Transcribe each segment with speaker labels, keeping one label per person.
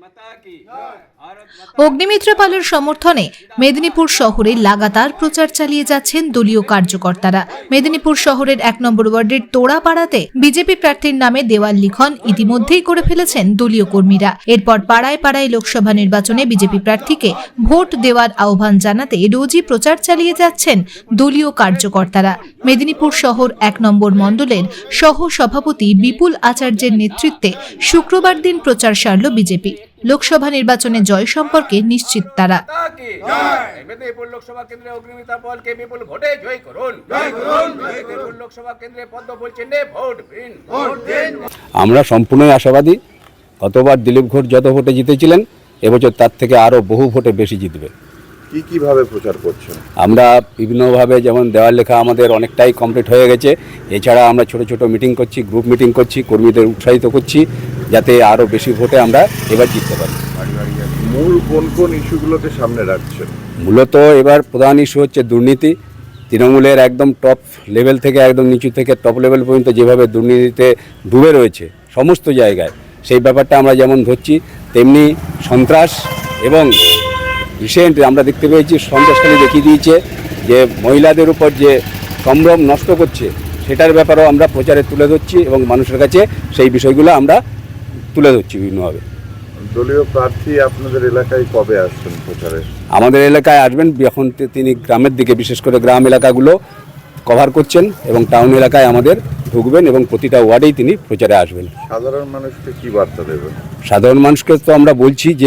Speaker 1: অগ্নিমিত্রা পালের সমর্থনে মেদিনীপুর শহরে লাগাতার প্রচার চালিয়ে যাচ্ছেন দলীয় কার্যকর্তারা। মেদিনীপুর শহরের 1 নম্বর ওয়ার্ডের তোড়াপাড়াতে বিজেপি প্রার্থীর নামে দেওয়াল লিখন ইতিমধ্যেই করে ফেলেছেন দলীয় কর্মীরা। এরপর পাড়ায় পাড়ায় লোকসভা নির্বাচনে বিজেপি প্রার্থীকে ভোট দেওয়ার আহ্বান জানাতে রোজই প্রচার চালিয়ে যাচ্ছেন দলীয় কার্যকর্তারা। মেদিনীপুর শহর 1 নম্বর মণ্ডলের সহ সভাপতি বিপুল আচার্যের নেতৃত্বে শুক্রবার দিন প্রচার সারল বিজেপি। লোকসভা নির্বাচনে জয় সম্পর্কে নিশ্চিত তারা।
Speaker 2: মেদিনীপুর লোকসভা কেন্দ্রে অগ্নিমিত্রা পালকে বিপুল ভোটে জয় করুন। মেদিনীপুর লোকসভা কেন্দ্রে পদ্মফুল চিহ্নে ভোট দিন।
Speaker 3: আমরা সম্পূর্ণই আশাবাদী। গতবার দিলীপ ঘোষ যত ভোটে জিতেছিলেন, এবছর তার থেকে আরও বহু ভোটে বেশি জিতবে।
Speaker 4: কিভাবে প্রচার করছেন?
Speaker 3: আমরা বিভিন্নভাবে, যেমন দেওয়াল লেখা আমাদের অনেকটাই কমপ্লিট হয়ে গেছে। এছাড়া আমরা ছোট ছোট মিটিং করছি, গ্রুপ মিটিং করছি, কর্মীদের উৎসাহিত করছি যাতে আরও বেশি ভোটে আমরা এবার জিততে পারি।
Speaker 4: মূল কোন কোন ইস্যুগুলোকে সামনে রাখছেন?
Speaker 3: মূলত এবার প্রধান ইস্যু হচ্ছে দুর্নীতি। তৃণমূলের একদম টপ লেভেল থেকে একদম নিচু থেকে টপ লেভেল পর্যন্ত যেভাবে দুর্নীতিতে ডুবে রয়েছে সমস্ত জায়গায়, সেই ব্যাপারটা আমরা যেমন ধরছি, তেমনি সন্ত্রাস এবং রিসেন্ট আমরা দেখতে পেয়েছি সন্ত্রাসকারী দেখিয়ে দিয়েছে যে মহিলাদের উপর যে সম্ভ্রম নষ্ট করছে, সেটার ব্যাপারেও আমরা প্রচারে তুলে ধরছি এবং মানুষের কাছে সেই বিষয়গুলো আমরা তুলে ধরছি বিভিন্নভাবে।
Speaker 4: দলীয় প্রার্থী আপনাদের এলাকায় কবে আসছেন প্রচারে?
Speaker 3: আমাদের এলাকায় আসবেন এখন তিনি গ্রামের দিকে, বিশেষ করে গ্রাম এলাকাগুলো কভার করছেন এবং টাউন এলাকায় আমাদের ঢুকবেন এবং প্রতিটা ওয়ার্ডেই তিনি প্রচারে আসবেন।
Speaker 4: সাধারণ মানুষকে কি বার্তা দেবেন?
Speaker 3: সাধারণ মানুষকে তো আমরা বলছি যে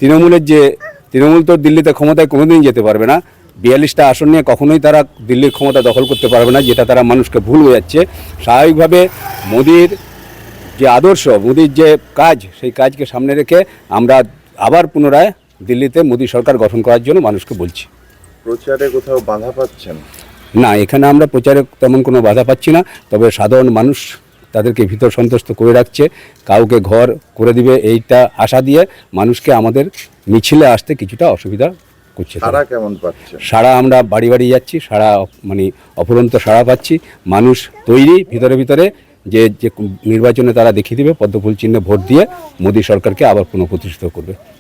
Speaker 3: তৃণমূল তো দিল্লিতে ক্ষমতায় কোনোদিন যেতে পারবে না। 42টা আসন নিয়ে কখনোই তারা দিল্লির ক্ষমতা দখল করতে পারবে না, যেটা তারা মানুষকে ভুল বোঝাচ্ছে। স্বাভাবিকভাবে মোদির যে আদর্শ, মোদির যে কাজ, সেই কাজকে সামনে রেখে আমরা আবার পুনরায় দিল্লিতে মোদি সরকার গঠন করার জন্য মানুষকে বলছি।
Speaker 4: প্রচারে কোথাও বাধা পাচ্ছেন?
Speaker 3: না, এখানে আমরা প্রচারে তেমন কোনো বাধা পাচ্ছি না। তবে সাধারণ মানুষ তাদেরকে ভিতর সন্তুষ্ট করে রাখছে, কাউকে ঘর করে দিবে এইটা আশা দিয়ে মানুষকে আমাদের মিছিলে আসতে কিছুটা অসুবিধা করছে।
Speaker 4: সাড়া কেমন পাচ্ছেন?
Speaker 3: সাড়া আমরা বাড়ি বাড়ি যাচ্ছি, সাড়া মানে অফুরন্ত সাড়া পাচ্ছি। মানুষ তৈরি ভিতরে ভিতরে যে নির্বাচনে তারা দেখিয়ে দেবে পদ্মফুল চিহ্নে ভোট দিয়ে মোদী সরকারকে আবার পুনঃপ্রতিষ্ঠিত করবে।